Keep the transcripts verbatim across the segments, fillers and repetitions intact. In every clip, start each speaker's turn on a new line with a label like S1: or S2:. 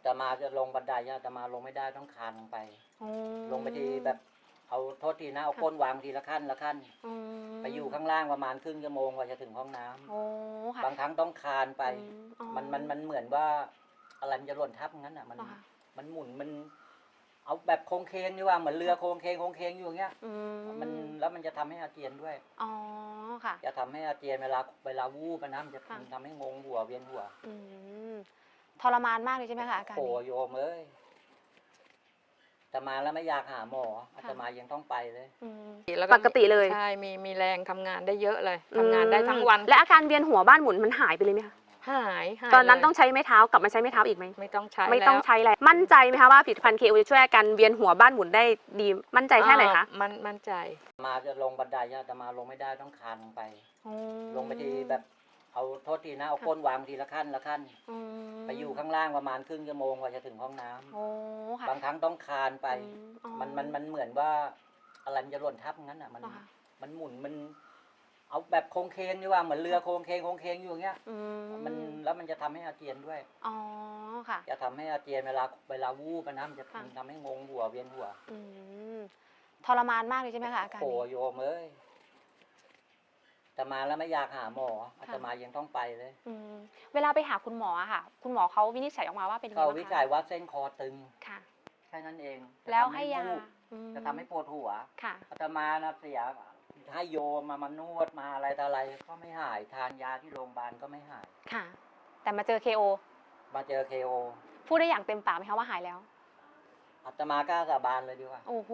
S1: อาตมาจะลงบันไดอาตมาลงไม่ได้ต้องคานลงไปลงไปทีแบบเอาโทษทีนะเอาก้นวางทีละขั้นละขั้นไปอยู่ข้างล่างประมาณครึ่งชั่วโมงกว่าจะถึงห้องน้ำบางครั้งต้องคานไปมันมันมันเหมือนว่าอะไรมันจะหล่นทับงั้นอ่ะมันมันหมุนมันเอาแบบโค้งเคงนี่ว่าเหมือนเรือโค้งเคงโค้งเคงอยู่อย่างเงี้ยมันแล้วมันจะทำให้อาเจียนด้วยอ๋อค่ะจะทำให้อาเจียนเวลาเวลาวูบนะมันจะทำให้งงหัวเวียนหัว
S2: ทรมานมากเลยใช่ไหมคะอาการนี้
S1: โอ้โยมเอ้ยอาตมาแล้วไม่อยากหาหมออาตมายังต้องไปเลย
S2: ปกติเลย
S3: ใช่มีมีแรงทำงานได้เยอะเลยทำงานได้ทั้งวัน
S2: และอาการเวียนหัวบ้านหมุนมันหายไปเลยไหมคะ
S3: หาย
S2: ตอนนั้นต้องใช้ไม้เท้ากลับมาใช้ไม้เท้าอีกไหม
S3: ไม่ต้องใช้
S2: ไม่ต้องใช้แล้วมั่นใจไหมคะว่าผลิตภัณฑ์เคโอจะช่วยอาการเวียนหัวบ้านหมุนได้ดีมั่นใจแค่ไหนคะ
S3: มันมั่นใจ
S1: มาจะลงบันไดอาตมาลงไม่ได้ต้องคานลงไปลงไปทีแบบเอาโทษทีนะเอาก้นวางทีละขั้นละขั้นไปอยู่ข้างล่างประมาณครึ่งชั่วโมงกว่าจะถึงห้องน้ำบางครั้งต้องคานไปมันมันมันเหมือนว่าอะไรมันจะหล่นทับงั้นอ่ะมันมันหมุนมันเอาแบบโค้งเคงนี่ว่าเหมือนเรือโค้งเคงโค้งเคงอยู่อย่างเงี้ยมันแล้วมันจะทำให้อาเจียนด้วยอ๋อค่ะจะทำให้อาเจียนเวลาเวลาวูบนะมันจะทำให้งงหัวเวียนหัว
S2: ทรมานมากเลยใช่ไหมคะอาการนี้
S1: โอ้โยมเอ้ยอาตมาแล้วไม่อยากหาหมออาตมายังต้องไปเลย
S2: เวลาไปหาคุณหมอค่ะคุณหมอเขาวินิจฉัยออกมาว่าเป็นยังไง
S1: เขาวิจัยว่าเส้นคอตึง
S2: ค่ะ
S1: แค่นั้นเอง
S2: แล้วให้ยา
S1: จะทำให้ปวดหัวค่ะอาตมานะเสียให้โยมมามานวดมาอะไรต่ออะไรก็ไม่หายทานยาที่โรงพยาบาลก็ไม่หาย
S2: ค่ะแต่มาเจอ เค โอ
S1: มาเจอ เค โอ
S2: พูดได้อย่างเต็มปากไหมคะว่าหายแล้ว
S1: อาตมากล้าสาบานเลยดีกว่า
S2: โอ้โห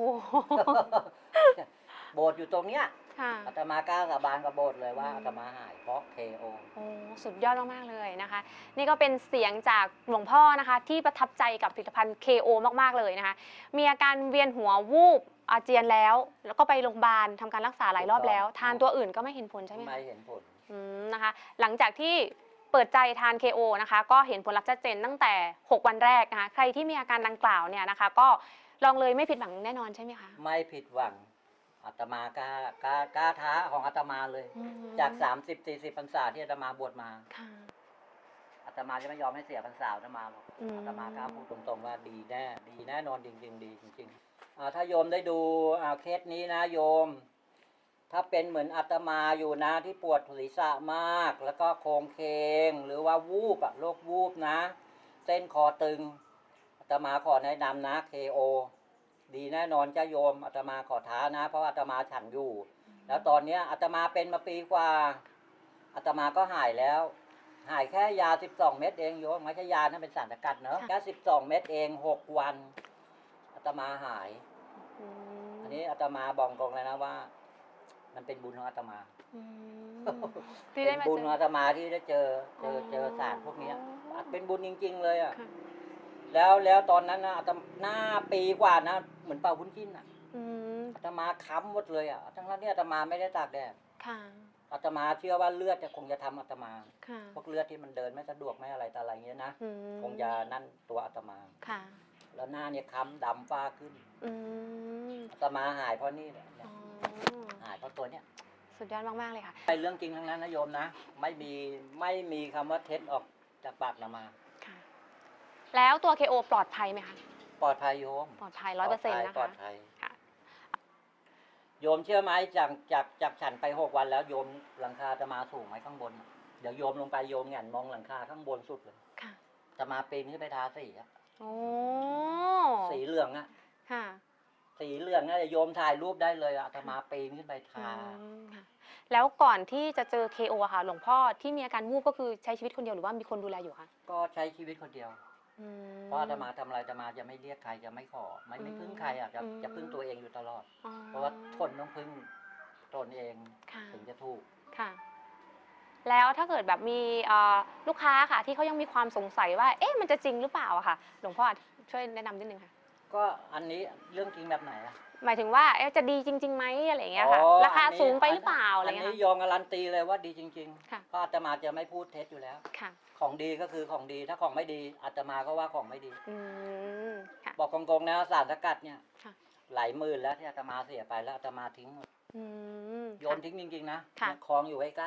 S1: โบสถ์อยู่ตรงเนี้ยอาตมากล้าสาบานกับโบสถ์เลยว่าอาตมาหายเพราะ เค โอ
S2: โอ้สุดยอดมากๆเลยนะคะนี่ก็เป็นเสียงจากหลวงพ่อนะคะที่ประทับใจกับผลิตภัณฑ์ เค โอ มากๆเลยนะคะมีอาการเวียนหัววูบอาเจียนแล้วแล้วก็ไปโรงพยาบาลทำการรักษาหลายรอบแล้วทานตัวอื่นก็ไม่เห็นผลใช่ไหม
S1: ไม่เห็นผล
S2: นะคะหลังจากที่เปิดใจทาน เค โอ นะคะก็เห็นผลลัพธ์ชัดเจนตั้งแต่หกวันแรกนะคะใครที่มีอาการดังกล่าวเนี่ยนะคะก็ลองเลยไม่ผิดหวังแน่นอนใช่ไหมคะ
S1: ไม่ผิดหวังอาตมากล้ากล้ากล้าท้าของอาตมาเลยจากสามสิบสี่สิบพรรษาที่อาตมาบวชมาอาตมาจะไม่ยอมให้เสียพรรษาอาตมาหรอกอาตมากล้าพูดตรงๆว่าดีแน่ดีแน่นอนจริงๆดีจริงๆถ้าโยมได้ดูเคสนี้นะโยมถ้าเป็นเหมือนอาตมาอยู่นะที่ปวดศีรษะมากแล้วก็โครงเคงหรือว่าวูบอะโรควูบนะเส้นคอตึงอาตมาขอแนะนำนะ เค โอ ดีแน่นอนจ้าโยมอาตมาขอท้านะเพราะอาตมาฉันอยู่แล้วตอนนี้อาตมาเป็นมาปีกว่าอาตมาก็หายแล้วหายแค่ยาสิบสองเม็ดเองโยมไม่ใช่ยานะเป็นสารสกัดเนอะแค่สิบสองเม็ดเองหกวันอาตมาหายอันนี้อาตมาบอกตรงเลยนะว่ามันเป็นบุญของอาตมาเป็นบุญของอาตมาที่ได้เจอเจอเจอสารพวกนี้เป็นบุญจริงๆเลยอ่ะแล้วแล้วตอนนั้นนะอาตมาหน้าปีกว่านะเหมือนเป่าวุ้นจิ้นอ่ะอาตมาค้ำหมดเลยอ่ะทั้งนั้นที่อาตมาไม่ได้ตากแดดอาตมาเชื่อว่าเลือดจะคงจะทำอาตมาพวกเลือดที่มันเดินไม่สะดวกไม่อะไรต่ออะไรเงี้ยนะคงจะนั่นตัวอาตมาแล้วหน้าเนี่ยค้ำดำฟ้าขึ้นอาตมาหายเพราะนี่แหละหายเพราะตัวเนี้ย
S2: สุดยอดมากๆเลยค่ะ
S1: เป็นเรื่องจริงทั้งนั้นนะโยมนะไม่มีไม่มีคำว่าเท็จออกจากปากอาตมา
S2: แล้วตัว เค โอ ปลอดภัยไหมคะ
S1: ปลอดภัยโยม
S2: ปลอดภัยร้อยเปอร์เซ็นต์นะคะ
S1: ปลอดภัยโยมเชื่อไหมจากจากจากฉันไปหกวันแล้วโยมหลังคาอาตมาสูงไหมข้างบนเดี๋ยวโยมลงไปโยมแหงนมองหลังคาข้างบนสุดเลยอาตมาปีนขึ้นไปทาสีอะสีเหลืองอะสีเหลืองนะโยมถ่ายรูปได้เลยอาตมาปีนขึ้นไปทา
S2: แล้วก่อนที่จะเจอ เค โอ ค่ะหลวงพ่อที่มีอาการวูบก็คือใช้ชีวิตคนเดียวหรือว่ามีคนดูแลอยู่คะ
S1: ก็ใช้ชีวิตคนเดียวเพราะอาตมาทำอะไรอาตมาจะไม่เรียกใครจะไม่ขอไม่ไม่พึ่งใครอ่ะจะจะพึ่งตัวเองอยู่ตลอดเพราะว่าทนต้องพึ่งตนเองถึงจะถูก
S2: ค่ะแล้วถ้าเกิดแบบมีลูกค้าค่ะที่เขายังมีความสงสัยว่าเอ๊ะมันจะจริงหรือเปล่าอะค่ะหลวงพ่อช่วยแนะนำนิดนึงค่ะ
S1: ก็อันนี้เรื่องจริงแบบไหนอะ
S2: หมายถึงว่าจะดีจริงๆไหมอะไรอย่างเงี้ยค่ะราคาสูงไปหรือเปล่าอะไรเงี้ย
S1: อันนี้ยอมการันตีเลยว่าดีจริงๆเพราะอาตมาจะไม่พูดเท็จอยู่แล้วของดีก็คือของดีถ้าของไม่ดีอาตมาก็ว่าของไม่ดีบอกกงๆนะสารสกัดเนี่ยหลายหมื่นแล้วที่อาตมาเสียไปแล้วอาตมาทิ้งหมดโยนทิ้งจริงๆนะคลองอยู่ใกล้ๆเนี่ย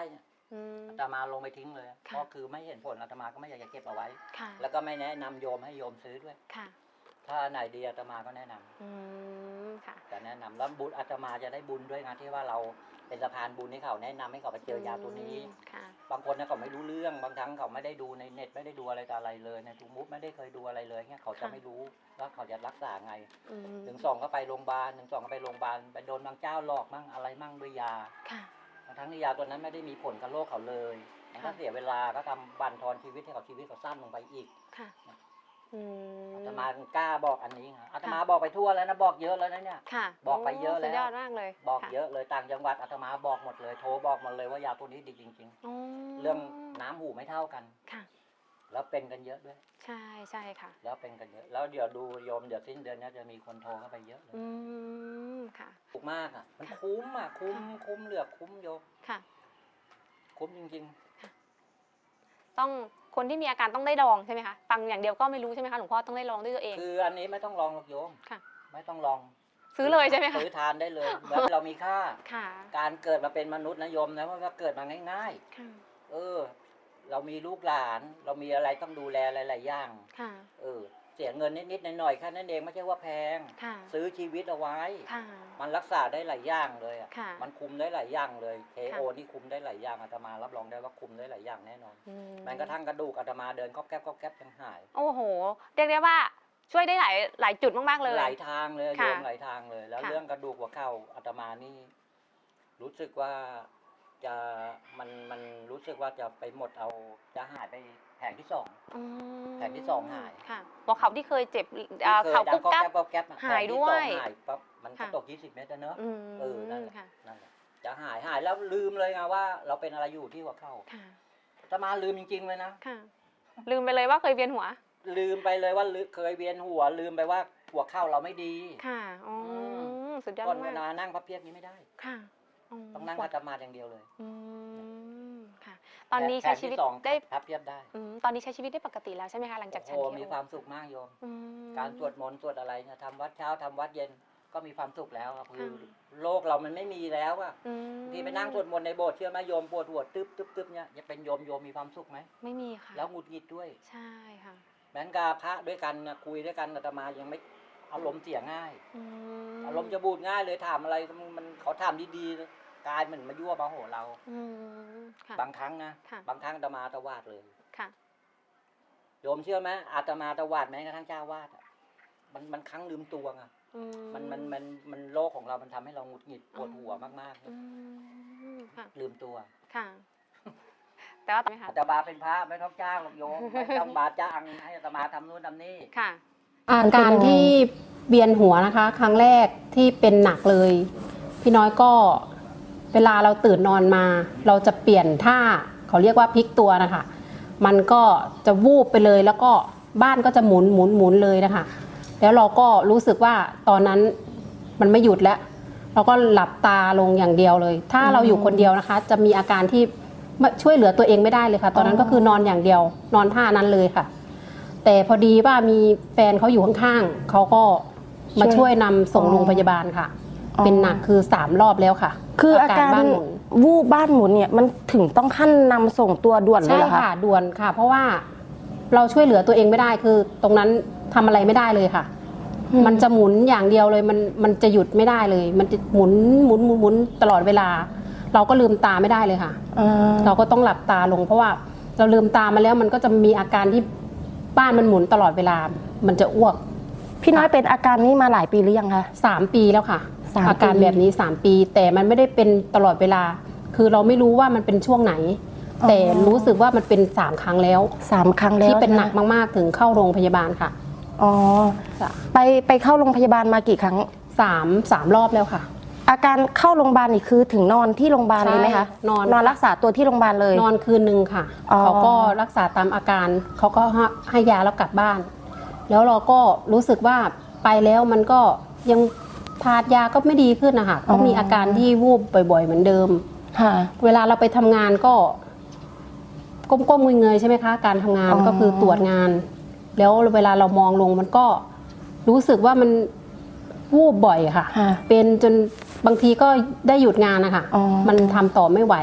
S2: อืม
S1: อาตมาลงไปทิ้งเลย
S2: ค่ะ
S1: เพราะคือไม่เห็นผลอาตมาก็ไม่อยากจะเก็บเอาไว้
S2: ค่ะ
S1: แล้วก็ไม่แนะนำโยมให้โยมซื้อด้วย
S2: ค่ะ
S1: ถ้าไหนดีอาตมาก็แนะนำ
S2: อืมค่ะ
S1: จะแนะนำแล้วบุญอาตมาจะได้บุญด้วยนะที่ว่าเราเป็นสะพานบุญให้เขาแนะนำให้เขาไปเจอยาตัวนี้
S2: ค่ะ
S1: บางคนเนี่ยเขาไม่รู้เรื่องบางครั้งเขาไม่ได้ดูในเน็ตไม่ได้ดูอะไรต่ออะไรเลยในทูมูฟไม่ได้เคยดูอะไรเลยเนี่ยเขาจะ
S2: ค่ะ
S1: ไม่รู้ว่าเขาจะรักษาไง
S2: อืม
S1: หนึ่งสองก็ไปโรงพยาบาลหนึ่งสองก็ไปโรงพยาบาลไปโดนบางเจ้าหลอกมั่งอะไรมั่งด้วยยา
S2: ค่ะ
S1: ทั้งที่ยาตัวนั้นไม่ได้มีผลกับโรคเขาเลยมันก็
S2: ค่ะ
S1: เสียเวลาก็ทำบั่นทอนชีวิตให้เขาชีวิตเขาสั้นลงไปอีก
S2: ค่ะอืม
S1: อาตมากล้าบอกอันนี้ค่ะอาตมาบอกไปทั่วแล้วนะบอกเยอะแล้วนะเนี่ย
S2: ค่ะ
S1: บอกไปเยอะแล้ว
S2: สุดยอดมากเลย
S1: บอก
S2: ค่
S1: เยอะเลยต่างจังหวัดอาตมาบอกหมดเลยโทรบอกหมดเลยว่ายาตัวนี้ดีจริง
S2: อ๋อ
S1: ๆ เรื่องน้ำหูไม่เท่ากัน
S2: ค่ะ
S1: แล้วเป็นกันเยอะด้วย
S2: ใช่ใช่ค่ะ
S1: แล้วเป็นกันเยอะ แล้วเดี๋ยวดูโยมเดี๋ยวสิ้นเดือนเนี้จะมีคนโทรเข้าไปเยอะเลย
S2: อืมค่ะ
S1: ถูกมากอ่ะมันคุ้มอ่ะคุ้มคุ้มเหลือคุ้มโยม
S2: ค่ะ
S1: คุ้มจริง
S2: ต้องคนที่มีอาการต้องได้ลองใช่ไหมคะฟังอย่างเดียวก็ไม่รู้ใช่ไหมคะหลวงพ่อต้องได้ลองด้วยตัวเอง
S1: ๆ คืออันนี้ไม่ต้องลองหรอกโยม
S2: ค่ะ
S1: ไม่ต้องลอง
S2: ซื้อเลยใช่ไหมคะ
S1: ซื้อทานได้เลยเหมือนเรามีค่า
S2: ค่ะ
S1: การเกิดมาเป็นมนุษย์นะโยมนะว่าเกิดมาง่าย
S2: ค่ะ
S1: ๆ เออ เรามีลูกหลาน เรามีอะไรต้องดูแลหลายๆอย่าง
S2: ค่ะ
S1: เออ เสียเงินนิดๆหน่อยๆแค่นั้นเองไม่ใช่ว่าแพง
S2: ค่ะ
S1: ซื้อชีวิตเอาไว้
S2: ค่ะ
S1: มันรักษาได้หลายอย่างเลยอ่ะ
S2: ค่ะ
S1: มันคุมได้หลายอย่างเลยเคโอ
S2: ค่ะ
S1: นี่คุมได้หลายอย่างอาตมารับรองได้ว่าคุมได้หลายอย่างแน่นอน
S2: อื
S1: แม้กระทั่งกระดูกอาตมาเดินก๊อบแก๊บก๊อบแก๊บยังหาย
S2: โอ้โห เรียกได้ว่าช่วยได้หลายหลายจุดมากๆเลย
S1: หลายทางเลยโย
S2: ค่ะ
S1: มหลายทางเลย แล้ว
S2: ค่ะ
S1: เรื่องกระดูกหัวเข่าอาตมานี่ รู้สึกว่าจะมันมันรู้สึกว่าจะไปหมดเอาจะหายไปแผงที่สอง
S2: อืม
S1: แผ่นที่สองหาย
S2: ค่ะหัวเข่าที่เคยเจ็บอ่า
S1: ที่คย
S2: เข่า
S1: ดั
S2: กุ๊
S1: ง
S2: บกั๊บ
S1: ก๊อบแก๊บก๊อบแก๊บอะ
S2: หาย
S1: แผงที่
S2: ด้วย
S1: สองหายปั๊บมันก็
S2: ค่ะ
S1: ตกยี่สิบเมตรอะเนอะ
S2: อืม
S1: เออนั่นแหละ
S2: ค่ะ
S1: นั่นแหละจะหายหายแล้วลืมเลยไงว่า เราเป็นอะไรอยู่ที่หัวเข่า
S2: ค่ะ
S1: อาตมาลืมจริงๆเลยนะ
S2: ค่ะ ลืมไปเลยว่าเคยเวียนหัว
S1: ลืมไปเลยว่าลืเคยเวียนหัว ลืมไปว่าหัวเข่าเราไม่ดี
S2: ค่ะอ๋ออ
S1: ม
S2: สุดยอด
S1: ก่อนเว
S2: มาก
S1: ลานั่งพับเพียบนี้ไม่ได้
S2: ค่ะ
S1: ต้องนั่ง
S2: หัว
S1: คัตมาอย่างเดียวเลย
S2: อืมค่ะ ตอนนี้ใช้ชีวิต
S1: แผนที่สอง
S2: ได้
S1: พับเพียบได้
S2: อืมตอนนี้ใช้ชีวิตได้ปกติแล้วใช่ไหมคะหลังจากฉัน
S1: โอ้
S2: เค
S1: มีความสุขมากโยม
S2: อืม
S1: การสวดมนต์สวดอะไรเนี่ยทำวัดเช้าทำวัดเย็นก็มีความสุขแล้วครับคือ
S2: ค่ะ
S1: โลกเรามันไม่มีแล้วอะ
S2: อืม
S1: ที่ไปนั่งสวดมนต์ในโบสถ์เชื่อไหมโยมปวดหัวตึ๊บตึ๊บตึ๊บเนี่ยจะเป็นโยมโยมมีความสุขไหม
S2: ไม่มีค่ะ
S1: แล้วหงุดหงิดด้วย
S2: ใช่ค่ะ
S1: แม้นกับพระด้วยกันนะคุยด้วยกันอาตมายังไม่อารมณ์เสียง่าย
S2: อืม
S1: อารมณ์จะบูดง่ายเลยถามอะไรมันมันเขาถามดีๆกลายเหมือนมายั่วมาโหเรา
S2: อืมค่ะ
S1: บางครั้งนะ
S2: ค่ะ
S1: บางครั้งอาตมาตวาดเลย
S2: ค่ะ
S1: โยมเชื่อไหมอาตมาตวาดแม้กระทั่งเจ้าวาดอะมันมันครั้งลืมตัวไง
S2: อื
S1: มันมันมันมันโลกของเรามันทำให้เราหงุดหงิดปวดหัวมาก
S2: อืมค่ะ
S1: ๆ ลืมตัว
S2: ค่ะ แต่ว่าไหมคะ
S1: อาตมาเป็นพระไม่ต้องจ้างหรอกโยม ไม่ต้องบาจ้างให้อาตมาทำนู่นทำนี่
S2: ค่ะ
S4: อาการที่เวียนหัวนะคะ ครั้งแรกที่เป็นหนักเลย พี่น้อยก็เวลาเราตื่นนอนมา เราจะเปลี่ยนท่าเขาเรียกว่าพลิกตัวนะคะ มันก็จะวูบไปเลยแล้วก็บ้านก็จะหมุนหมุนหมุนเลยนะคะ แล้วเราก็รู้สึกว่าตอนนั้นมันไม่หยุดแล้ว เราก็หลับตาลงอย่างเดียวเลย ถ้าเราอยู่คนเดียวนะคะ จะมีอาการที่ช่วยเหลือตัวเองไม่ได้เลยค่ะ ตอนนั้นก็คือนอนอย่างเดียว นอนท่านั้นเลยค่ะ แต่พอดีว่ามีแฟนเขาอยู่ข้างๆเขาก็มาช่วยนำส่งโรงพยาบาลค่ะ
S5: อ๋อ
S4: เป็นหนักคือสามรอบแล้วค่ะ
S5: คืออาการ
S4: บ้านหมุน
S5: วูบบ้านหมุนเนี่ยมันถึงต้องขั้นนำส่งตัวด่วนเลย
S4: ใช่
S5: เหรอคะ
S4: ค่ะด่วนค่ะ เพราะว่าเราช่วยเหลือตัวเองไม่ได้คือตรงนั้นทำอะไรไม่ได้เลยค่ะ
S5: อืม
S4: มันจะหมุนอย่างเดียวเลยมันมันจะหยุดไม่ได้เลย มันจะหมุนหมุนหมุนหมุนตลอดเวลา เราก็ลืมตาไม่ได้เลยค่ะ
S5: อ่า
S4: เราก็ต้องหลับตาลง เพราะว่าเราลืมตามาแล้วมันก็จะมีอาการที่บ้านมันหมุนตลอดเวลา มันจะอ้วก
S5: พี่น้อยเป็นอาการนี้มาหลายปีหรือยังคะ
S4: สามปีแล้วค่ะ
S5: สามปี
S4: อาการแบบนี้สามปี แต่มันไม่ได้เป็นตลอดเวลา คือเราไม่รู้ว่ามันเป็นช่วงไหน แต่รู้สึกว่ามันเป็นสามครั้งแล้ว
S5: สามครั้งแล้ว
S4: ที่เป็น
S5: ใช่ไ
S4: หนักมากๆถึงเข้าโรงพยาบาลค่ะ
S5: อ๋อ
S4: จ้ะ
S5: ไปไปเข้าโรงพยาบาลมากี่ครั้ง
S4: สามสามรอบแล้วค่ะ
S5: อาการเข้าโรงพยาบาลนี่คือถึงนอนที่โรงพยาบาลเลยไหมคะ
S4: ใช่นอน
S5: นอนรักษาตัวที่โรงพยาบาลเลย
S4: นอนคืนหนึ่งค่ะ
S5: อ๋อ
S4: เขาก็รักษาตามอาการเขาก็ให้ให้ยาแล้วกลับบ้าน แล้วเราก็รู้สึกว่าไปแล้วมันก็ยังทานยาก็ไม่ดีขึ้นนะคะก็มีอาการที่วูบบ่อยๆเหมือนเดิม
S5: ค่ะ
S4: เวลาเราไปทำงานก็ก้มๆเงยๆใช่ไหมคะ การทำงาน
S5: อ๋อ
S4: ก็คือตรวจงาน แล้วเวลาเรามองลงมันก็รู้สึกว่ามันวูบบ่อยค่ะ
S5: ค่ะ
S4: เป็นจนบางทีก็ได้หยุดงานนะคะ
S5: อ๋อ
S4: มันทำต่อไม่ไหว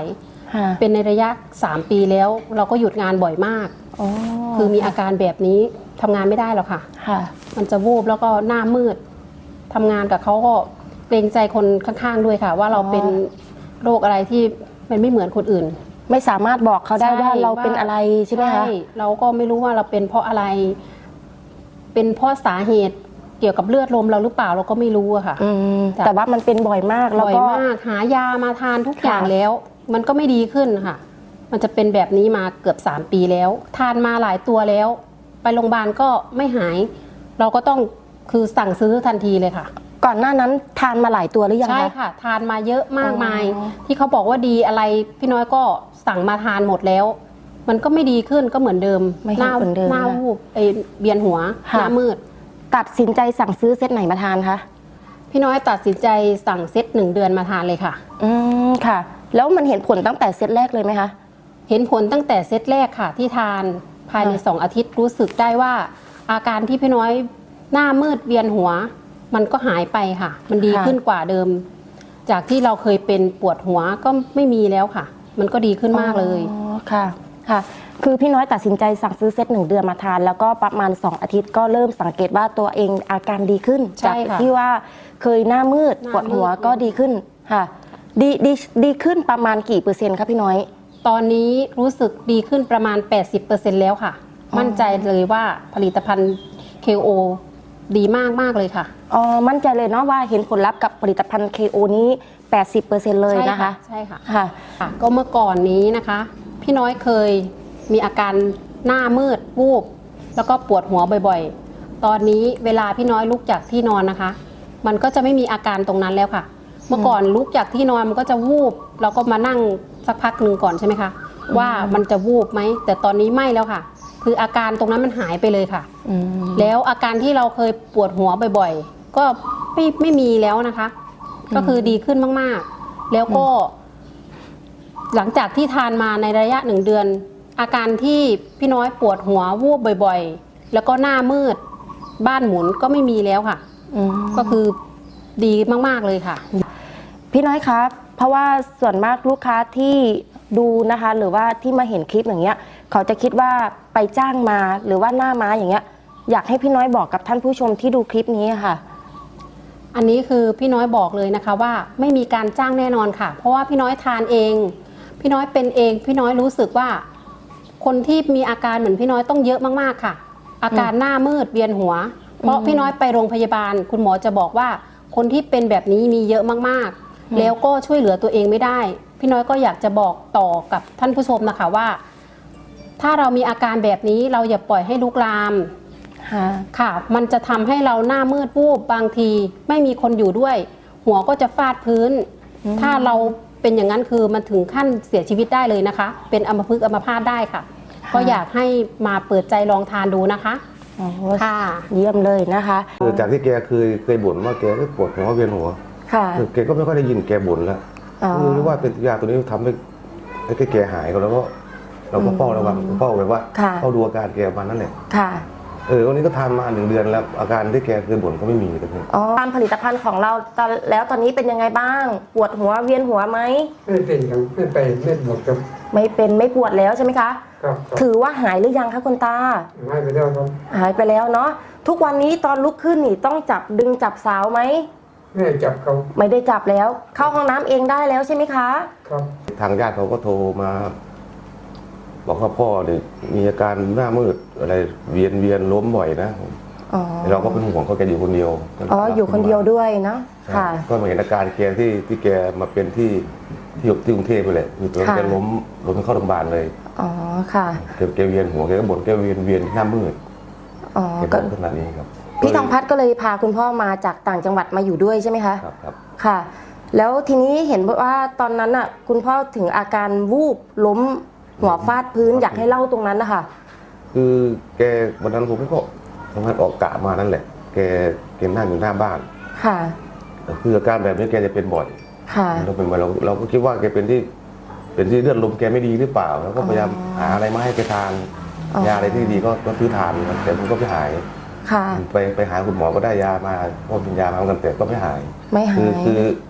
S5: ค่ะ
S4: เป็นในระยะสามปีแล้วเราก็หยุดงานบ่อยมาก
S5: อ๋อ
S4: คือมีอาการแบบนี้ทำงานไม่ได้หรอกค่ะ
S5: ค่ะ
S4: มันจะวูบแล้วก็หน้ามืดทำงานกับเขาก็เกรงใจคนข้างๆด้วยค่ะ ว่าเราเป็นโรคอะไรที่มันไม่เหมือนคนอื่น
S5: ไม่สามารถบอกเขาได้
S4: ใช่
S5: ว่าเราเป็นอะไรใช่ไหมคะ
S4: เราก็ไม่รู้ว่าเราเป็นเพราะอะไร เป็นเพราะสาเหตุเกี่ยวกับเลือดลมเราหรือเปล่าเราก็ไม่รู้อะค่ะ
S5: อืม
S4: จ้ะ
S5: แต่ว่ามันเป็นบ่อยมากแล้ว
S4: บ่อย
S5: ก็
S4: มากหายามาทานทุกอย่าง
S5: ค่ะ
S4: แล้ว มันก็ไม่ดีขึ้นค่ะ มันจะเป็นแบบนี้มาเกือบสามปีแล้ว ทานมาหลายตัวแล้ว ไปโรงพยาบาลก็ไม่หาย เราก็ต้องคือสั่งซื้อทันทีเลยค่ะ
S5: ก่อนหน้านั้นทานมาหลายตัวหรือยัง
S4: ใช่
S5: คะ
S4: ค่ะ ทานมาเยอะมากมาย
S5: อ๋อ
S4: ที่เขาบอกว่าดีอะไรพี่น้อยก็สั่งมาทานหมดแล้ว มันก็ไม่ดีขึ้นก็เหมือนเดิม
S5: ไม่
S4: ห
S5: เห็น
S4: น้า
S5: เหมือนเดิม
S4: หน้า
S5: นะ
S4: วูบไอเบียนหัวห
S5: ค่ะ
S4: น้ามืด
S5: ตัดสินใจสั่งซื้อเซตไหนมาทานคะ
S4: พี่น้อยตัดสินใจสั่งเซตหนึ่งเดือนมาทานเลยค่ะ
S5: อืมค่ะ แล้วมันเห็นผลตั้งแต่เซตแรกเลยไหมคะ
S4: เห็นผลตั้งแต่เซตแรกค่ะ ที่ทานภายใน
S5: ค่ะ
S4: สองอาทิตย์รู้สึกได้ว่า อาการที่พี่น้อยหน้ามืดเวียนหัว มันก็หายไปค่ะ มันดีขึ้นกว่าเดิม จากที่เราเคยเป็นปวดหัวก็ไม่มีแล้วค่ะ มันก็ดีขึ้นมากเลย
S5: อ๋อค่ะค่ะ คือพี่น้อยตัดสินใจสั่งซื้อเซตหนึ่งเดือนมาทาน แล้วก็ประมาณสองอาทิตย์ก็เริ่มสังเกตว่าตัวเองอาการดีขึ้น
S4: ใช่
S5: จาก
S4: ค่ะ
S5: ที่ว่าเคยหน้ามืด
S4: หน้า
S5: ปวดหัว
S4: มืด
S5: ก็ดีขึ้นค่ะ ดีดีดีขึ้นประมาณกี่เปอร์เซ็นต์คะพี่น้อย
S4: ตอนนี้รู้สึกดีขึ้นประมาณ แปดสิบเปอร์เซ็นต์ แล้วค่ะ
S5: อ๋อ
S4: มั่นใจเลยว่าผลิตภัณฑ์ เค โอ ดีมากมากๆเลยค่ะ
S5: อ๋อมั่นใจเลยเนาะว่าเห็นผลลัพธ์กับผลิตภัณฑ์ เค โอ นี้ แปดสิบเปอร์เซ็นต์ เลยนะคะ
S4: ใช่ค่ะ
S5: ค่ะ
S4: ค่ะก็เมื่อก่อนนี้นะคะ พี่น้อยเคยมีอาการหน้ามืดวูบแล้วก็ปวดหัวบ่อยๆ ตอนนี้เวลาพี่น้อยลุกจากที่นอนนะคะ มันก็จะไม่มีอาการตรงนั้นแล้วค่ะ เมื่อก่อนลุกจากที่นอนมันก็จะวูบเราก็มานั่งสักพักหนึ่งก่อนใช่ไหมคะว่ามันจะวูบไหมแต่ตอนนี้ไม่แล้วค่ะ คืออาการตรงนั้นมันหายไปเลยค่ะ
S5: อืม
S4: แล้วอาการที่เราเคยปวดหัวบ่อยๆ ก็ไม่ไม่มีแล้วนะคะ ก็คือดีขึ้นมากๆ แล้วก็ หลังจากที่ทานมาในระยะหนึ่งเดือน อาการที่พี่น้อยปวดหัววูบบ่อยๆ แล้วก็หน้ามืดบ้านหมุนก็ไม่มีแล้วค่ะ
S5: อืม
S4: ก็คือดีมากๆเลยค่ะ
S5: พี่น้อยครับ เพราะว่าส่วนมากลูกค้าที่ดูนะคะ หรือว่าที่มาเห็นคลิปอย่างเงี้ย เขาจะคิดว่าไปจ้างมาหรือว่าหน้าม้าอย่างเงี้ย อยากให้พี่น้อยบอกกับท่านผู้ชมที่ดูคลิปนี้ค่ะ
S4: อันนี้คือพี่น้อยบอกเลยนะคะว่าไม่มีการจ้างแน่นอนค่ะ เพราะว่าพี่น้อยทานเอง พี่น้อยเป็นเอง พี่น้อยรู้สึกว่า คนที่มีอาการเหมือนพี่น้อยต้องเยอะมากๆค่ะ อาการหน้ามืดเวียนหัว เพราะพี่น้อยไปโรงพยาบาล คุณหมอจะบอกว่าคนที่เป็นแบบนี้มีเยอะมากๆ แล้วก็ช่วยเหลือตัวเองไม่ได้ พี่น้อยก็อยากจะบอกต่อกับท่านผู้ชมนะคะว่า ถ้าเรามีอาการแบบนี้เราอย่าปล่อยให้ลุกลาม
S5: ค่ะ
S4: ค่ะ มันจะทำให้เราหน้ามืดวูบบางทีไม่มีคนอยู่ด้วย หัวก็จะฟาดพื้น
S5: อืม
S4: ถ้าเราเป็นอย่างนั้นคือมันถึงขั้นเสียชีวิตได้เลยนะคะ เป็นอัมพฤกษ์อัมพาตได้ค่ะ ก็อยากให้มาเปิดใจลองทานดูนะคะ
S5: อ๋อ
S4: ค่ะ
S5: เยี่ยมเลยนะคะ
S6: คือจากที่แกเคยเคยบ่นว่าแกก็ปวดหัวเวียนหัว
S5: ค่ะ
S6: คือแกก็ไม่ค่อยได้ยินแกบ่นแล้ว
S5: อ๋อ
S6: คือรู้ว่าเป็นยาตัวนี้ทำให้ให้แกหายก็แล้วก็เราก็เฝ้าระวังเฝ้าแบบว่า
S5: ค่ะ
S6: เฝ้าดูอาการแกประมาณนั้นแหละ
S5: ค่ะ
S6: เออวันนี้ก็ทานมาหนึ่งเดือนแล้ว อาการที่แกเคยบ่นก็ไม่มีเลยครับ
S5: อ๋อตามผลิตภัณฑ์ของเราตอนแล้วตอนนี้เป็นยังไงบ้าง ปวดหัวเวียนหัวไหม
S7: ไม่เป็นครับไม่ไปไม่หมดครับ
S5: ไม่เป็นไม่ปวดแล้วใช่ไหมคะ
S7: ครับครับ
S5: ถือว่าหายหรือยังคะคุณตา
S7: ให้ไปแล้วครับ
S5: หายไปแล้วเนาะ ทุกวันนี้ตอนลุกขึ้นนี่ต้องจับดึงจับสาวไหม
S7: ไม่ให้จับเขา
S5: ไม่ได้จับแล้ว เข้าห้องน้ำเองได้แล้วใช่ไหมคะ
S7: ครับ
S6: ทางญาติเขาก็โทรมา บอกว่าพ่อเนี่ยมีอาการหน้ามืดอะไรเวียนเวียนล้มบ่อยนะ
S5: อ๋อ
S6: เราก็เป็นห่วงเขาแกอยู่คนเดียว
S5: อ๋อ อยู่คนเดียวด้วยเนาะ
S6: ใช่
S5: ค่ะ
S6: ก็มาเห็นอาการแกที่ที่แกมาเป็นที่ที่ที่กรุงเทพไปเลยคือตอนนั้น
S5: ค่ะ
S6: แกล้มล้มเข้าโรงพยาบาลเลย
S5: อ๋อ ค่ะ
S6: แกแกเวียนหัวแกก็บ่นแกเวียนเวียนหน้ามืด
S5: อ๋อ
S6: แก
S5: ก็
S6: บ่นขนาดนี้ครับ
S5: พี่ทองพัฒน์ก็เลยพาคุณพ่อมาจากต่างจังหวัดมาอยู่ด้วยใช่ไหมคะ
S6: ครับครับ
S5: ค่ะ แล้วทีนี้เห็นว่าตอนนั้นอ่ะคุณพ่อถึงอาการวูบล้มหัวฟาดพื้นอยากให้เล่าตรงนั้นนะคะ
S6: คือแกวันนั้นผมก็ทำงานออกกะมานั่นแหละ แกแกนั่งอยู่หน้าบ้าน
S5: ค่ะ
S6: คืออาการแบบนี้แกจะเป็นบ่อย
S5: ค่ะ
S6: เราเป็นบ่อยเราเราก็คิดว่าแกเป็นที่เป็นที่เลือดลมแกไม่ดีหรือเปล่าแล้วก็พยายาม
S5: อ๋อ
S6: หาอะไรมาให้แกทาน
S5: อ๋อ
S6: ยาอะไรที่ดีก็ก็ซื้อทานครับแต่มันก็ไม่หาย
S5: ค่ะ
S6: ไปไปหาคุณหมอก็ได้ยามาก็กินยามาเหมือนกันแต่ก็ไม่หาย
S5: ไม่หา
S6: คือย คือ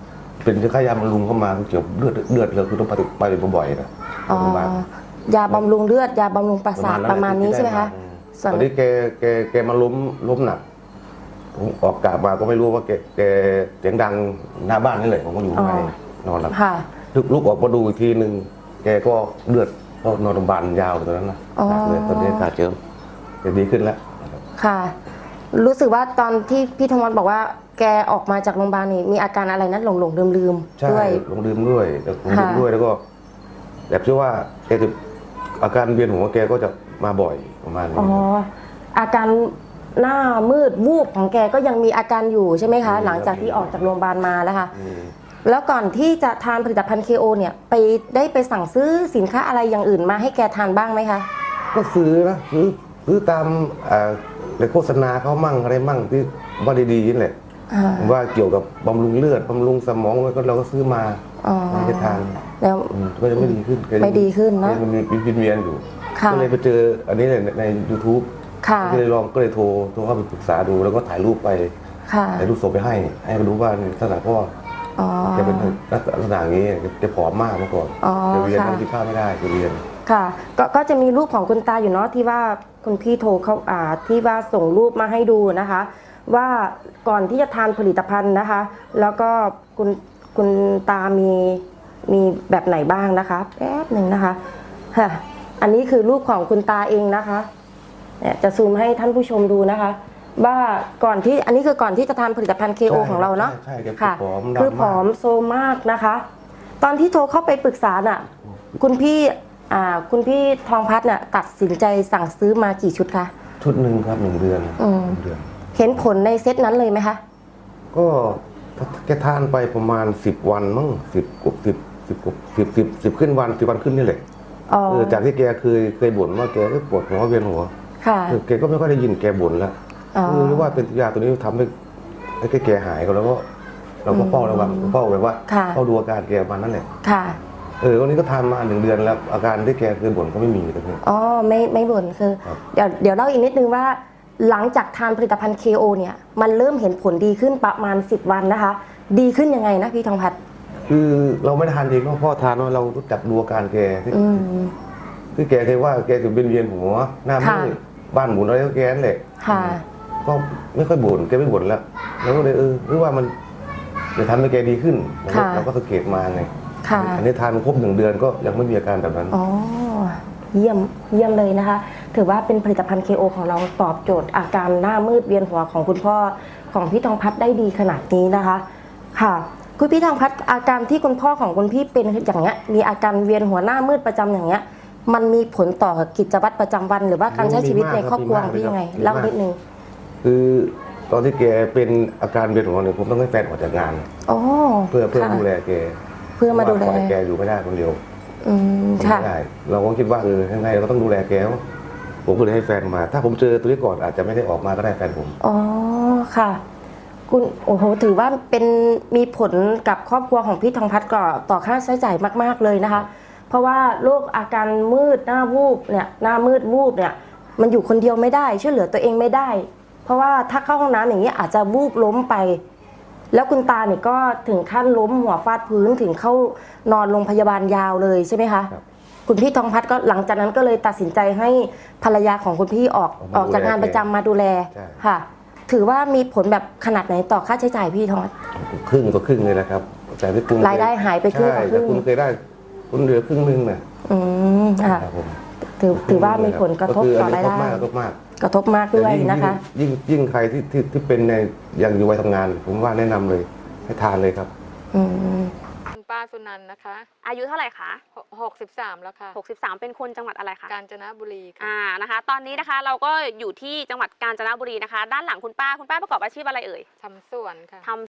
S6: เป็นค่ายาบำรุงเข้ามาเกี่ยวกับเลือดเลือดเราคือต้องไปไปบ่อยๆนะ
S5: อ๋อ
S6: โรงพยาบาล
S5: ยาบำรุงเลือดยาบำรุงประสาทประมาณนี้ใช่ไหมคะ
S6: ตอนนี้แกแกแกมาล้มล้มหนักผมออกกะมาก็ไม่รู้ว่าแกแกเสียงดังหน้าบ้านนี่แหละผมก็อยู่ข้างในนอนหลับ
S5: ค่ะ
S6: ลุกลุกออกมาดูอีกทีหนึ่งแกก็เลือดก็นอนโรงพยาบาลยาวเลยตอนนั้นนะหนักเลยตอนนี้อาการเจิมแกดีขึ้นแล้ว
S5: ค่ะ รู้สึกว่าตอนที่พี่ธวัฒน์บอกว่าแกออกมาจากโรงพยาบาลนี่มีอาการอะไรนะหลงหลงลืมลืมๆ
S6: ใช่
S5: ด้วย
S6: ลงดื่มด้วยแล้วลงดื่ม
S5: ค่ะ
S6: ด้วยแล้วก็แบบที่ว่าแกจะอาการเวียนหัวแกก็จะมาบ่อยประมาณนี้
S5: อ๋อ อาการหน้ามืดวูบของแกก็ยังมีอาการอยู่ใช่ไหมคะ หลังจากที่ออกจากโรงพยาบาลมาแล้วค่ะ
S6: อืม
S5: แล้วก่อนที่จะทานผลิตภัณฑ์ เค โอ เนี่ยไปได้ไปสั่งซื้อสินค้าอะไรอย่างอื่นมาให้แกทานบ้างไหมคะ
S6: ก็ซื้อนะซื้อซื้อตามอ่าในโฆษณาเขามั่งอะไรมั่งที่ว่าดีๆนี่แหละ
S5: อ่า
S6: ว่าเกี่ยวกับบำรุงเลือดบำรุงสมองก็เราก็ซื้อมา
S5: อ๋อ
S6: ให้ทาน
S5: แล้ว
S6: อืมก็ยังไม่ดีขึ้นแกยัง
S5: ไม่ดีขึ้นนะ
S6: แกมันมีวินเวียนอยู่
S5: ค่ะ
S6: ก็เลยไปเจออันนี้ในใน ยูทูบ
S5: ค่ะ
S6: ก็เลยลองก็เลยโทรโทรเข้าไปปรึกษาดูแล้วก็ถ่ายรูปไป
S5: ค่ะ
S6: ถ่ายรูปส่งไปให้ ให้เขาดูว่าในลักษณะพ่อ
S5: อ๋อ
S6: แกเป็นลักษณะอย่างนี้แกผอมมากเมื่อก่อน
S5: อ๋อ
S6: แกเวียน
S5: ค่ะ
S6: นั่งกินข้าวไม่ได้แกเวียน
S5: ค่ะก็ก็จะมีรูปของคุณตาอยู่เนาะที่ว่าคุณพี่โทรเขาอ่าที่ว่าส่งรูปมาให้ดูนะคะ ว่าก่อนที่จะทานผลิตภัณฑ์นะคะ แล้วก็คุณคุณตามีมีแบบไหนบ้างนะคะแป๊บหนึ่งนะคะฮะอันนี้คือรูปของคุณตาเองนะคะเนี่ยจะซูมให้ท่านผู้ชมดูนะคะ ว่าก่อนที่อันนี้คือก่อนที่จะทานผลิตภัณฑ์ เค โอ
S6: ใช่
S5: ของเราเนาะ
S6: ใช่ใช่แก
S5: ค่ะ
S6: ผอมดำ
S5: คือผอม
S6: มาก
S5: โซมมากนะคะ ตอนที่โทรเข้าไปปรึกษาน่ะ คุณพี่อ่าคุณพี่ทองพัฒน์น่ะตัดสินใจสั่งซื้อมากี่ชุดคะ
S6: ชุดหนึ่งครับหนึ่งเดือน
S5: อืม
S6: หนึ่งเดือน
S5: เห็นผลในเซตนั้นเลยไหมคะ
S6: ก็แกทานไปประมาณสิบวันมั้งสิบกว่าสิบสิบกว่าสิบสิบสิบขึ้นวันสิบวันขึ้นนี่แหละ
S5: อ๋อ
S6: เออจากที่แกเคยเคยบ่นว่าแกก็ปวดหัวเวียนหัว
S5: ค่ะ
S6: เออแกก็ไม่ค่อยได้ยินแกบ่นแล้ว
S5: อ๋อ
S6: คือรู้ว่าเป็นยาตัวนี้ทำให้ให้แกหายก็แล้วก็เราก็เฝ้าระวังเฝ้าแบบว่า
S5: ค่ะ
S6: เฝ้าดูอาการแกประมาณนั้นแหละ
S5: ค่ะ
S6: เออวันนี้ก็ทานมาหนึ่งเดือนแล้ว อาการที่แกเคยบ่นก็ไม่มีเลยพี่
S5: อ๋อไม่ไม่บ่นคือ
S6: ครับ
S5: เดี๋ยวเดี๋ยวเล่าอีกนิดนึงว่า หลังจากทานผลิตภัณฑ์ เค โอ เนี่ยมันเริ่มเห็นผลดีขึ้นประมาณสิบวันนะคะ ดีขึ้นยังไงนะพี่ทองพัฒน์
S6: คือเราไม่ได้ทานเองเพราะพ่อทานว่าเรารู้จักดูอาการแกที่
S5: อืม
S6: ที่แกเคยว่าแกถึงเป็นเวียนหัวหน้ามื
S5: ค่ะ
S6: ดบ้านหมุนอะไรก็แกนั่นแหละ
S5: ค่ะ
S6: ก็ไม่ค่อยบ่นแกไม่บ่นแล้วเราก็เลยเออหรือว่ามันจะทำให้แกดีขึ้นเราก็
S5: ค่ะ
S6: เราก็สังเกตมาไง
S5: ค่ะ
S6: อันนี้ทานครบหนึ่งเดือนก็ยังไม่มีอาการแบบนั้น
S5: อ๋อ เยี่ยมเยี่ยมเลยนะคะ ถือว่าเป็นผลิตภัณฑ์ เค โอ ของเราตอบโจทย์อาการหน้ามืดเวียนหัวของคุณพ่อของพี่ทองพัฒน์ได้ดีขนาดนี้นะคะ ค่ะ คุณพี่ทองพัฒน์อาการที่คุณพ่อของคุณพี่เป็นอย่างเงี้ยมีอาการเวียนหัวหน้ามืดประจำอย่างเงี้ย มันมีผลต่อกิจวัตรประจำวัน หรือว่าการใช้ชีวิตในครอบครัวของพี่ยังไงเล่านิดนึง
S6: คือตอนที่แกเป็นอาการเวียนหัวเนี่ยผมต้องให้แฟนออกจากงาน
S5: อ๋อ
S6: เพื่อเพื่อ
S5: ค่ะ
S6: ดูแลแก
S5: เพื่อมาดูแล
S6: เพระว่ปอยแกอยู่ไม่ได้คนเดียว
S5: อืมค่ะ
S6: ไม่ได้เราก็คิดว่าเออยังไงเราก็ต้องดูแลแกวะผมก็เลยให้แฟนมา ถ้าผมเจอตัวนี้ก่อนอาจจะไม่ได้ออกมาก็ได้แฟนผม
S5: อ๋อค่ะ คุณโอ้โหถือว่าเป็นมีผลกับครอบครัวของพี่ทองพัฒน์ก่อต่อค่าใช้จ่ายมาก ๆเลยนะคะ เพราะว่าโรคอาการมืดหน้าวูบเนี่ยหน้ามืดวูบเนี่ยมันอยู่คนเดียวไม่ได้ช่วยเหลือตัวเองไม่ได้ เพราะว่าถ้าเข้าห้องน้ำอย่างนี้อาจจะวูบล้มไป แล้วคุณตาเนี่ยก็ถึงขั้นล้มหัวฟาดพื้นถึงเข้านอนโรงพยาบาลยาวเลยใช่ไหมคะ
S6: ครับ
S5: คุณพี่ทองพัฒน์ก็หลังจากนั้นก็เลยตัดสินใจให้ภรรยาของคุณพี่ออก
S6: ออกมา
S5: ออกจากงานประจำมาดูแล
S6: ใช่
S5: ค่ะ ถือว่ามีผลแบบขนาดไหนต่อค่าใช้จ่ายพี่ทองพัฒน์
S6: ครึ่งต่อครึ่งเลยนะครับแต่ที่คุณ
S5: รายได้หายไปครึ่งต่อครึ่ง
S6: ใช่แต่คุณเคยได้คุณเหลือครึ่งหนึงน่ะ
S5: อืมค่ะ
S6: ครับผม
S5: ถือถือว่ามีผลกระทบ
S6: คื
S5: ต่อรายได้
S6: กระทบมากกระทบมาก
S5: กระทบมากด้วย
S6: แต่ง
S5: นะคะ
S6: ยิ่งยิ่งใครที่ที่ที่เป็นในยังอยู่วัยทำงาน ผมว่าแนะนำเลยให้ทานเลยครับ
S5: อืม
S3: คุณป้าสุนันท์นะคะ
S2: อายุเท่าไหร่คะ
S3: หกสิบสามแล้วค่ะ
S2: หกสิบสามเป็นคนจังหวัดอะไรคะ
S3: กาญจนบุรีค่ะ
S2: อ่านะคะ ตอนนี้นะคะเราก็อยู่ที่จังหวัดกาญจนบุรีนะคะ ด้านหลังคุณป้าคุณป้าประกอบอาชีพอะไรเอ่ย
S3: ทำสวนค่ะ
S2: ทำ